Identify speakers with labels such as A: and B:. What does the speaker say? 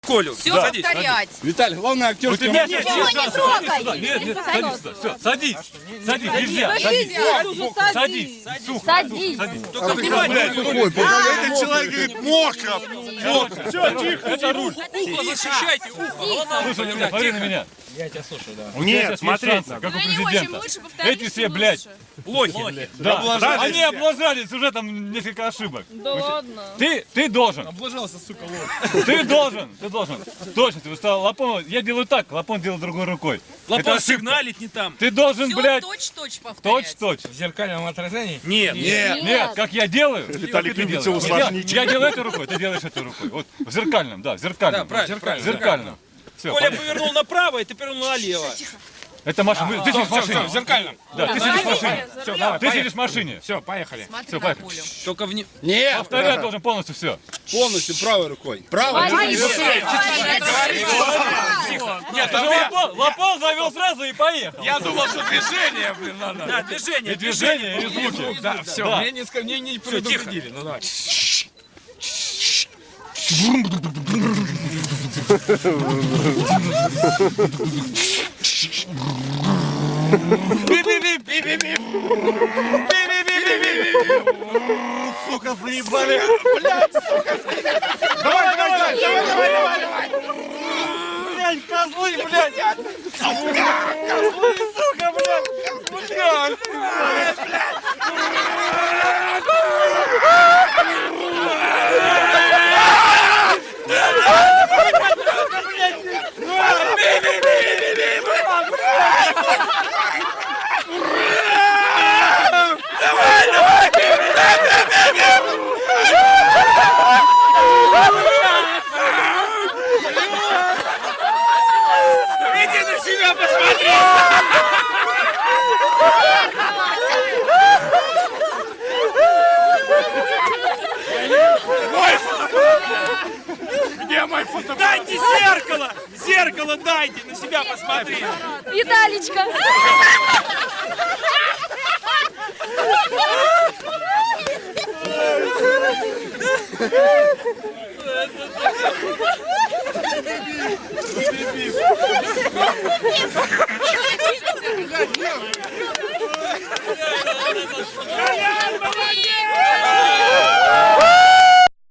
A: Колю.
B: Все
A: Да.
B: повторять.
C: Виталий, главное актерский
B: Его не трогай.
D: Нет, садись, все, садись, садись, нельзя, садись,
B: Садись.
A: Только внимание.
C: Этот человек говорит, мокро.
A: Все, тихо. Это руль. Ухо защищайте, ухо.
D: Слушай, смотри на меня. Я тебя слушаю, да.
C: Нет, смотри.
D: Как у президента. Эти все, блядь,
A: Лохи.
D: да,
C: Облажались
D: они
C: все.
D: облажались, уже там несколько ошибок.
B: Да ладно.
D: Ты должен.
A: Облажался, сука, лох.
D: Ты должен. Точно, ты устал. Лапон, я делаю так, Лапон делает другой рукой. Это
A: Лапон
D: ошибка.
A: сигналит не там.
D: Ты должен,
B: Все
D: блядь,
B: точь-точь повторять.
D: точь-точь.
E: В зеркальном отражении?
A: Нет.
D: Нет, как я делаю.
C: Виталик
D: как ты
C: любит
D: делаешь.
C: все усложнить.
D: Я делаю этой рукой, ты делаешь этой рукой. Вот в зеркальном, да, в зеркальном.
A: Да, правильно, правильно.
D: Зеркальном. Все,
A: Коля повернул направо, и ты повернул налево.
D: это машина. Ты сидишь в машине.
E: В зеркальном.
D: Да, ты сидишь в машине.
E: Все, давай,
D: Ты сидишь в машине.
E: Все, поехали.
B: Смотри
D: Всё,
B: на
D: поехали.
B: Колю.
A: Только вне...
C: Нет,
D: Повторять должен полностью все.
C: полностью правой рукой. Правой.
D: Нет, Лапон завел сразу и поехал.
E: Я думал, что движение, блин, надо.
A: Да, движение,
D: И движение, и звуки.
E: Да, все,
D: Да.
E: мне не предупредили. Ну давай.
D: Сука, заебали.
C: Давай.
D: Блядь, козлы, блядь. Козлы, сука, блядь.
A: Иди на себя посмотри!
E: Где мой фото?
A: Дайте зеркало! Зеркало дайте, на себя посмотри!
B: Виталичка.